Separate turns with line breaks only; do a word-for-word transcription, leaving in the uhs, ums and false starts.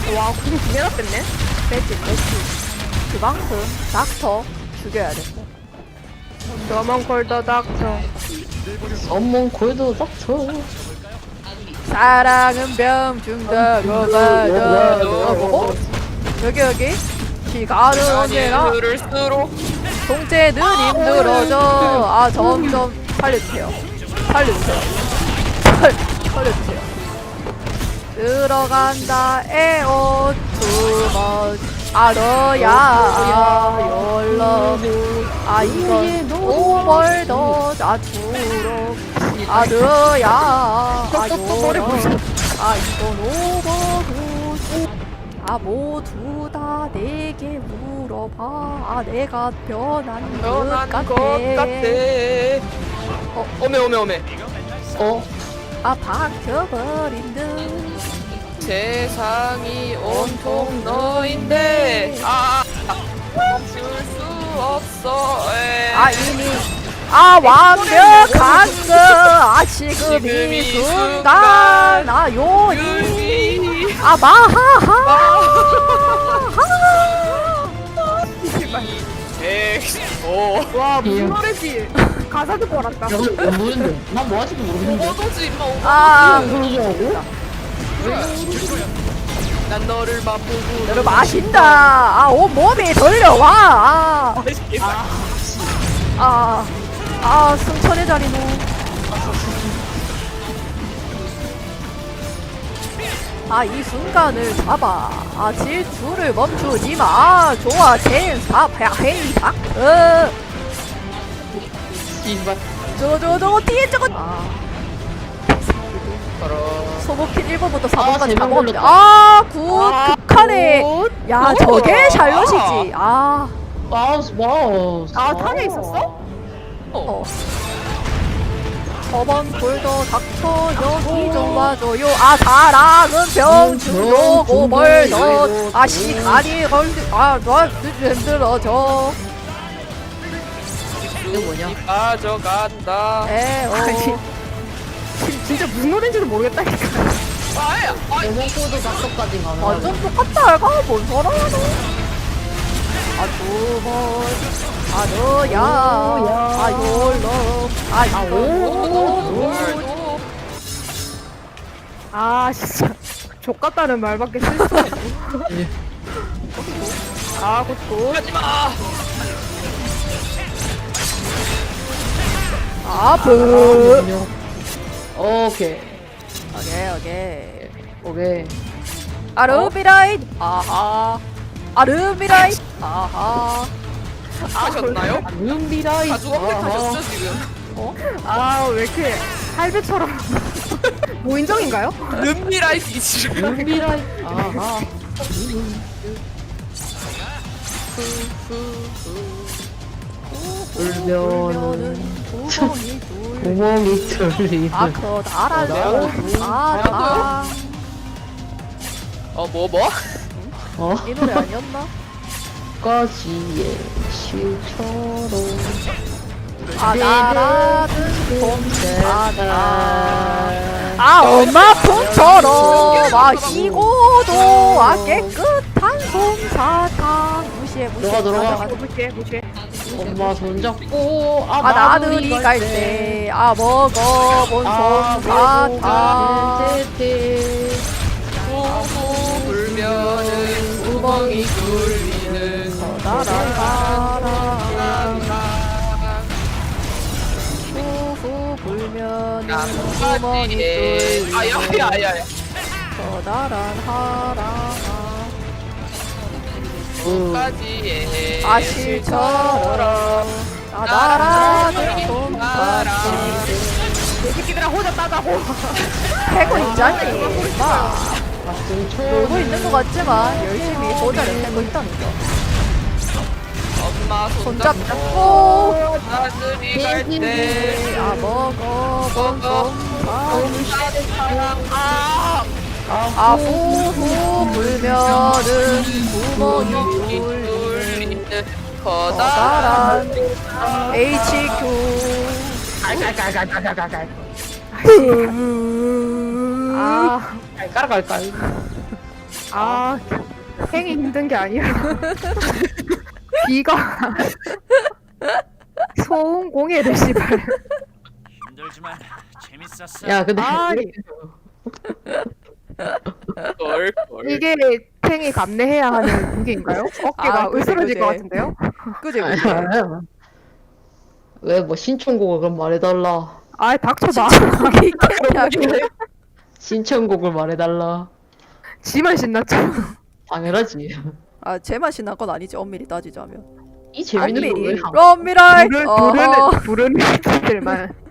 와, 구슬 두 개나 뺐네?
빼지 빼지. 그만큼 닥터 죽여야 돼.
너만 걸더 닥쳐.
어몽 골드 닥쳐.
사랑은 병중다고 봐도 여기 여기 시간은 언제나
흐를수록
동체는 힘들어져. 아 점점 살려주세요. 살려주세요. 살, 살려주세요. 들어간다 에어 투머치 아 너야 연락 아 이건 오벌더 자투로 아 너야 아 연락 아 이건 오버도 아 모두 다 내게 물어봐 아 내가 변한 것
변한
같아
것 같아. 어, 오메 오메 오메.
어?
아 박혀버린 듯
세상이 온통 너인데 아 멈출 수 없어. 에.
아 이미 아 완벽한 거아 지금 이
지금 이
순간 아 요니
유리.
아 마하하
백오.
와
무슨
노래지 가사 듣고 알았다
야, 근데 모르는데. 난 뭐 하지도 모르겠는데.
오버도지 임마 오버.
아
모르더라고?
난 너를 맛보고
너를 마신다 아 온몸이 돌려와 아 아, 아, 승천의 자리노. 아, 이 순간을 잡아. 아, 질주를 멈추지 마. 아, 좋아, 젠, 사, 야, 헤이, 닥, 어.
이발.
저거, 저거, 저거, 뒤에 저거. 아,
걸어.
소모킨 일 번부터 사
아,
번까지 다
제목
먹었는데.
걸렸다.
아, 굿,
아,
극하네.
굿.
야,
굿.
저게 샬롯이지. 아,
마우스, 마우스.
아, 탄에 있었어?
어. 저번 골더 닥쳐 여기 좀 와줘요 아 사랑은 병주로 오벌더 아 시간이 걸리 아너 힘들어져
이거 뭐냐?
가져간다.
에어
진짜 무슨 노래인지도 모르겠다니까. 아야. 아,
어몽 골드 닥쳐까지 가면.
완전 똑같다 알가 뭔 소리하노 아 두번 아 너야 아 욜러 아 이거
오.
아 진짜 족같다는 말밖에 쓸 수 없어. 아 굿굿.
하지 마.
아프
오케이.
오케이 오케이
오케이.
아르비라이 아하 아르비라이 아하
하셨나요?
눈비라이.
가죽 업데이트 하셨죠 지금?
아 왜 이렇게 할배처럼 모인정인가요?
름미라이트 지금.
눈비라이. 아하. 울면은
구멍이 둘
구멍이 뚫리는.
아 커다란 아다
어 뭐 뭐?
어?
이 노래 아니었나?
까지의 실처럼.
아 나라는 봄바다
봄바다.
아 엄마 폰처럼 아 희고도 아 깨끗한 솜사탕 무시해 무시해
들어가, 들어가.
가자, 가자.
무시해 무시해.
엄마 손잡고
아 나들이 갈 때 아 먹어본
아
솜사탕
때
호호 불면은 구멍이 뚫리는
커다란 바람 후후 불면은 구멍이
나뭇가지에
뚫리는
아야야야야.
커다란 하람
까지의
아실처럼 나다라는 솜사탕
이 새끼들아 호자 따자고.
패고 있자니 마
같은
놀고
초
있는 것 같지만 열심히 보자를 패고 있다니까
엄마
손잡고
손잡고 나들이 갈때
네, 아 먹어본 솜사탕
아
아 후후 불면은 구멍이 뚫리는
뚫리는 커다란
커다란 에이치큐
깔깔깔깔깔깔깔.
아
깔깔깔깔.
아, 행이 힘든 게 아니라 비가 소음공해를 씨발.
힘들지만 재밌었어.
야 근데
아니.
걸, 걸.
이게 행이 감내해야 하는 무기인가요? 어깨가
아, 그지,
으스러질
그지.
것 같은데요?
그지 그지.
왜 뭐 신청곡을 그럼 말해달라.
아, 닥쳐봐.
거기 있겠냐고.
신청곡을 말해달라.
지만 신났죠.
당연하지.
아 제맛이 난 건 아니지 엄밀히 따지자면.
이 재밌는
안미리
걸왜
럼미라이
부르,
어허
부르는, 부르는 들만